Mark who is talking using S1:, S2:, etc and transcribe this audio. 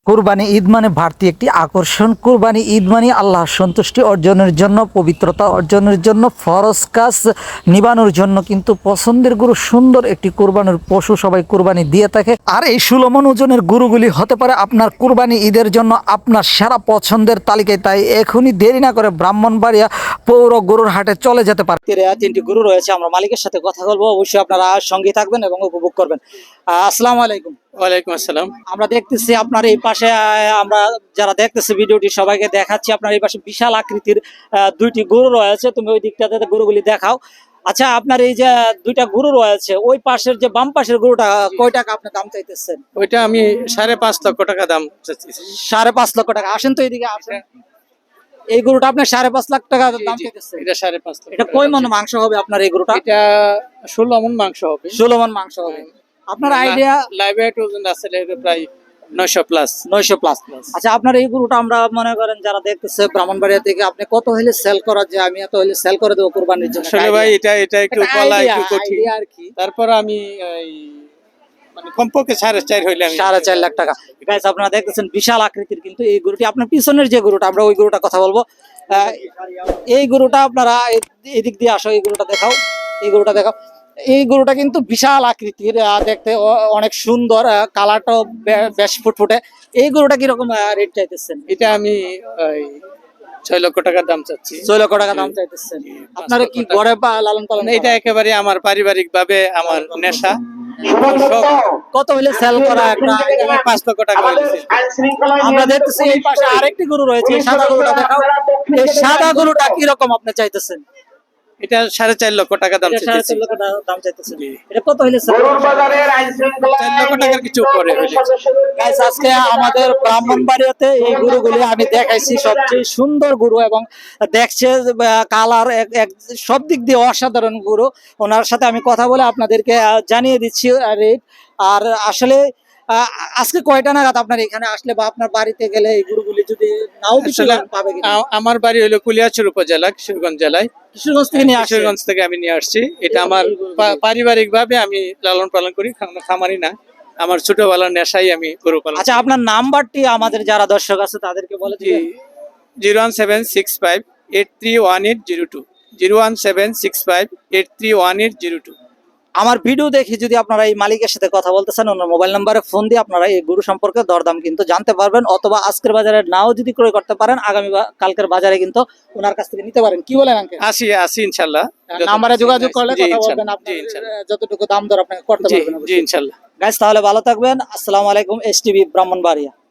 S1: কুরবানি ঈদ মানে বাড়তি একটি আকর্ষণ। কুরবানি ঈদ মানে আল্লাহর সন্তুষ্টি অর্জনের জন্য, পবিত্রতা অর্জনের জন্য, ফরজ কাজ নিবানোর জন্য কিন্তু পছন্দের গরু, সুন্দর একটি কুরবানির পশু সবাই কুরবানি দিয়ে থাকে। আর এই 16 মণ ওজনের গরুগুলি হতে পারে আপনার কুরবানি ঈদের জন্য আপনার সেরা পছন্দের তালিকায়। তাই এখনই দেরি না করে ব্রাহ্মণবাড়িয়া পৌর গরুর হাটে চলে যেতে পারে। তিনটি গরু রয়েছে, আমরা মালিকের সাথে কথা বলবো। অবশ্যই আপনারা সঙ্গে থাকবেন এবং উপভোগ করবেন। আসসালামু আলাইকুম।
S2: ওয়ালাইকুম আসসালাম।
S1: আমরা দেখতেছি আপনার এই পাশে, আমরা যারা দেখতেছি ভিডিওটি সবাইকে দেখাচ্ছি, আপনার এই পাশে বিশাল আকৃতির দুইটি গরু রয়েছে। তুমি ওই দিকটাতে গরুগুলি দেখাও। আচ্ছা, আপনার এই যে দুইটা গরু রয়েছে, ওই পাশের যে বাম পাশের গরুটা কয় টাকা আপনি দাম চাইতেছেন?
S2: ওইটা আমি 5.5 লক্ষ টাকা দাম চাচ্ছি।
S1: 5.5 লক্ষ টাকা। আসেন তো এদিকে আসেন। এই গরুটা আপনার 5.5 লাখ টাকা দাম চাইতেছেন।
S2: এটা 5.5 লক্ষ।
S1: এটা কয় মণ মাংস হবে আপনার এই গরুটা?
S2: এটা 16 মণ মাংস হবে।
S1: 16 মণ মাংস হবে। আপনার আইডিয়া?
S2: লাইভ ওয়েট ওজন আছে প্রায় 900 প্লাস।
S1: 900 প্লাস। আচ্ছা, আপনার এই গরুটা আমরা মনে করেন যারা দেখতেছে ব্রাহ্মণবাড়িয়া থেকে, আপনি কত হলে সেল করা যায়? আমি এত হলে সেল করে দেবো কুরবানির জন্য।
S2: আসলে ভাই এটা একটু বলা একটু কঠিন
S1: আর কি।
S2: তারপর আমি মানে কমপক্ষে 4.5 হইলে আমি
S1: 4.5 লাখ টাকা। গাইস, আপনারা দেখতেছেন বিশাল আকৃতির কিন্তু এই গরুটি। আপনার পিছনের যে গরুটা, আমরা ওই গরুটা কথা বলবো। এই গরুটা আপনারা এদিক দিয়ে আসো, এই গরুটা দেখাও, এই গরুটা দেখাও। এই গরুটা কিন্তু বিশাল আকৃতির, দেখতে অনেক সুন্দর, কালারটাও বেশ ফুটফুটে। এই গরুটা কিরকম রেট চাইতেছেন?
S2: এটা আমি 6 লক্ষ টাকার দাম চাচ্ছি।
S1: 6 লক্ষ টাকা দাম চাইতেছেন। আপনারা কি ঘরে লালন পালন?
S2: এটা একেবারে আমার পারিবারিক ভাবে আমার নেশা।
S1: কত হইলে সেল করা?
S2: 5 লক্ষ টাকা হইছে।
S1: আমরা দেখতেছি এই পাশে আরেকটি গরু রয়েছে, সাদা গরুটা দেখাও। এই সাদা গরুটা কি রকম আপনি চাইতেছেন?
S2: এটা 4.5 লক্ষ টাকা দাম চাইতেছি।
S1: 4.5 লক্ষ দাম চাইতেছেন। এটা কত হইলে সেল?
S2: 4 লক্ষ টাকার কিছু উপরে হইলে।
S1: গাইস, আজকে আমাদের ব্রাহ্মণবাড়িয়াতে এই গরুগুলি আমি দেখাইছি, সবচেয়ে সুন্দর গরু এবং দেখছে কালার সব দিক দিয়ে অসাধারণ গরু। ওনার সাথে আমি কথা বলে আপনাদেরকে জানিয়ে দিচ্ছি রেট। আর আসলে আজকে কয়টা নাগাদ আপনার এখানে আসলে বা আপনার বাড়িতে গেলে এই গরুগুলি যদি নাও কিছু পাবে কিনা?
S2: আমার বাড়ি হলো কুলিয়াচর উপজেলা, কিশোরগঞ্জ জেলায়।
S1: কিশোরগঞ্জ থেকে নিয়ে আসছেন?
S2: কিশোরগঞ্জ থেকে আমি নিয়ে আসছি। এটা আমার পারিবারিক ভাবে আমি লালন পালন করি, খামারি না। আমার ছোটবেলার নেশাই আমি গরু পালন।
S1: আচ্ছা, আপনার নাম্বারটি আমাদের যারা দর্শক আছে তাদেরকে বলে দিন।
S2: 01765831802, 01765831802।
S1: আমার ভিডিও দেখে যদি আপনারা এই মালিকের সাথে কথা বলতে চান, ওনার মোবাইল নাম্বারে ফোন দিয়ে আপনারা এই গরু সম্পর্কে দরদাম কিন্তু জানতে পারবেন। অথবা আজকের বাজারে নাও যদি ক্রয় করতে পারেন, আগামী কালকের বাজারে কিন্তু ওনার কাছ থেকে নিতে পারেন। কি বলেন আঙ্কেল?
S2: আসি ইনশাআল্লাহ।
S1: নাম্বারে যোগাযোগ করলে কথা বলবেন, আপনি যতটুকু দাম দর আপনাকে করতে পারবেন।
S2: জি ইনশাআল্লাহ।
S1: গাইস, তাহলে ভালো থাকবেন। আসসালামু আলাইকুম। এসটিভি ব্রাহ্মণবাড়িয়া।